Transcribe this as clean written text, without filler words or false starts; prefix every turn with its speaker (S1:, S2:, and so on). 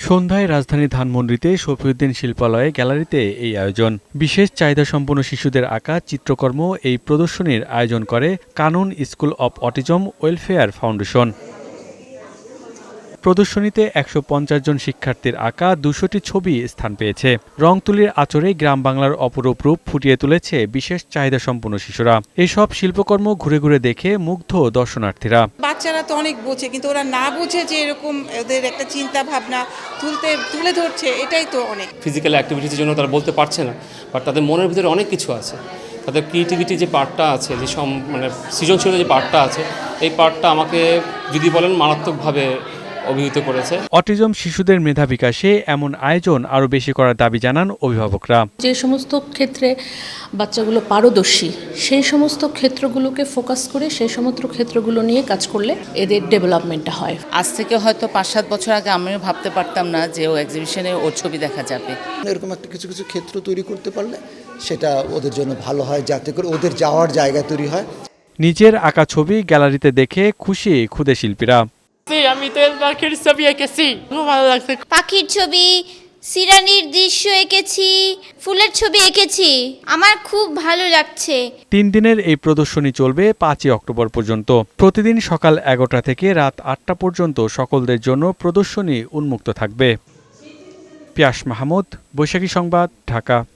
S1: সন্ধ্যায় রাজধানী ধানমন্ডিতে শফিউদ্দিন শিল্পালয়ে গ্যালারিতে এই আয়োজন। বিশেষ চাহিদাসম্পন্ন শিশুদের আঁকা চিত্রকর্ম এই প্রদর্শনীর আয়োজন করে কানুন school of autism welfare foundation. প্রদর্শনীতে ১৫০ জন শিক্ষার্থীর আঁকা ২০০টি ছবি স্থান পেয়েছে। রংতুলির আঁচড়ে গ্রাম বাংলার অপরূপ রূপ ফুটিয়ে তুলেছে বিশেষ চাহিদাসম্পন্ন শিশুরা। এসব শিল্পকর্ম ঘুরে ঘুরে দেখে মুগ্ধ দর্শনার্থীরা।
S2: বাচ্চারা তো অনেক বোঝে, কিন্তু ওরা না বুঝে যে এরকম ওদের একটা চিন্তা ভাবনা তুলে ধরছে, এটাই তো অনেক।
S3: ফিজিক্যাল অ্যাক্টিভিটির জন্য তারা বলতে পারছে না, বাট তাদের মনের ভিতরে অনেক কিছু আছে। তাদের ক্রিয়েটিভিটি যে পার্টটা আছে, যে সৃজনশীলতা যে পার্টটা আছে, এই পার্টটা আমাকে যদি বলেন মারাত্মকভাবে অভিভূত করেছে।
S1: অটিজম শিশুদের মেধা বিকাশে এমন আয়োজন আরও বেশি করার দাবি জানান অভিভাবকরা।
S4: যে সমস্ত ক্ষেত্রে বাচ্চাগুলো পারদর্শী, সেই সমস্ত ক্ষেত্রগুলোকে ফোকাস করে সেই সমস্ত ক্ষেত্রগুলো নিয়ে কাজ করলে এদের ডেভেলপমেন্টটা হয়।
S5: আজ থেকে হয়তো ৫-৭ বছর আগে আমিও ভাবতে পারতাম না যে ও এক্সিবিশনে ওর ছবি দেখা যাবে।
S6: এরকম একটা কিছু কিছু ক্ষেত্র তৈরি করতে পারলে সেটা ওদের জন্য ভালো হয়, যাতে করে ওদের যাওয়ার জায়গা তৈরি হয়।
S1: নিজের আঁকা ছবি গ্যালারিতে দেখে খুশি ক্ষুদে শিল্পীরা।
S7: আমি তো পাখির ছবি এঁকেছি, খুব ভালো লাগছে।
S8: পাখির ছবি, সিরানির দৃশ্য এঁকেছি, ফুলের ছবি এঁকেছি, আমার খুব ভালো লাগছে।
S1: ৩ দিনের এই প্রদর্শনী চলবে ৫ই অক্টোবর পর্যন্ত। প্রতিদিন সকাল ১১টা থেকে রাত ৮টা পর্যন্ত সকলদের জন্য প্রদর্শনী উন্মুক্ত থাকবে। পিয়াস মাহমুদ, বৈশাখী সংবাদ, ঢাকা।